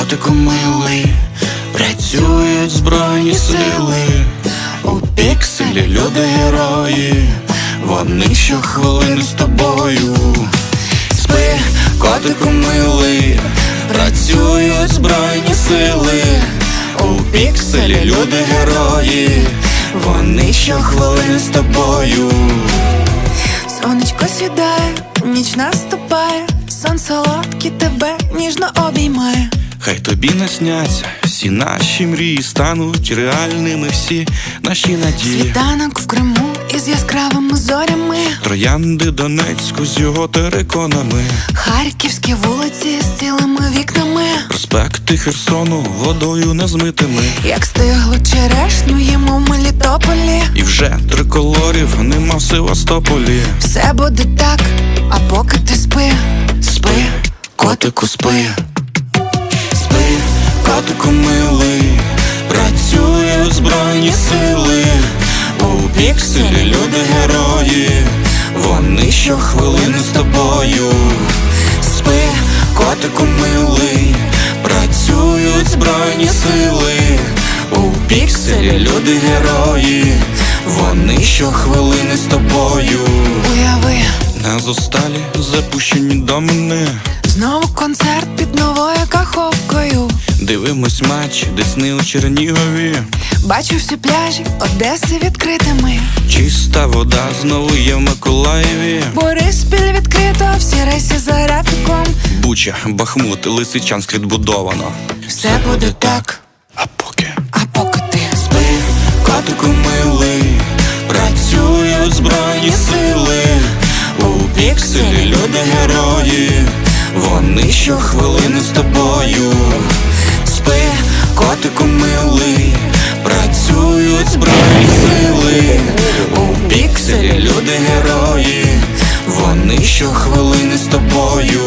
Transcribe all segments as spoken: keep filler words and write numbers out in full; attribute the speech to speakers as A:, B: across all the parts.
A: котику милий, працюють збройні сили. У пікселі люди герої, вони щохвилини з тобою. Спи, котику милий, працюють збройні сили. У пікселі люди герої, вони щохвилини з тобою.
B: Сонечко сідає, ніч наступає, сон солодкий тебе ніжно обіймає.
A: Хай тобі насняться всі наші мрії, стануть реальними всі наші надії.
B: Світанок в Криму із яскравими зорями,
A: Троянди Донецьку з його териконами,
B: харківські вулиці з цілими вікнами,
A: проспекти Херсону водою незмитими.
B: як стиглу черешню їмо в Мелітополі.
A: І вже триколорів нема в Севастополі.
B: Все буде так, а поки ти спи,
A: Спи, котику, спи. Спи, котику милий, працюють збройні сили. У пікселі люди герої, вони щохвилини з тобою. Спи, котику милий, працюють збройні сили. У пікселі люди герої, вони щохвилини з тобою.
B: уяви,
A: На зосталі запущені домини,
B: знову концерт під новою каховкою.
A: дивимось матч Десни у Чернігові.
B: Бачу всі пляжі Одеси відкритими,
A: Чиста вода знову є в Миколаєві.
B: Бориспіль відкрито, всі рейси за графіком.
A: Буча, Бахмут, Лисичанськ відбудовано.
B: Все буде так,
A: А поки
B: а поки ти
A: спи, котику милий, працюють збройні сили. У пікселі люди герої, вони щохвилини з тобою. Спи, котику милий, працюють збройні сили. У пікселі люди герої, вони щохвилини з тобою.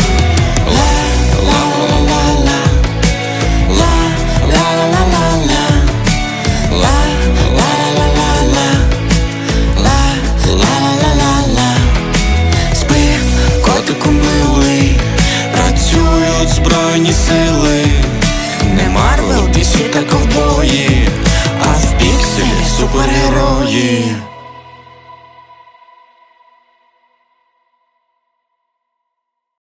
A: Спи, котику милий, працюють збройні сили. Не Марвел, Ді Сі та ковбої, а в пікселі супергерої.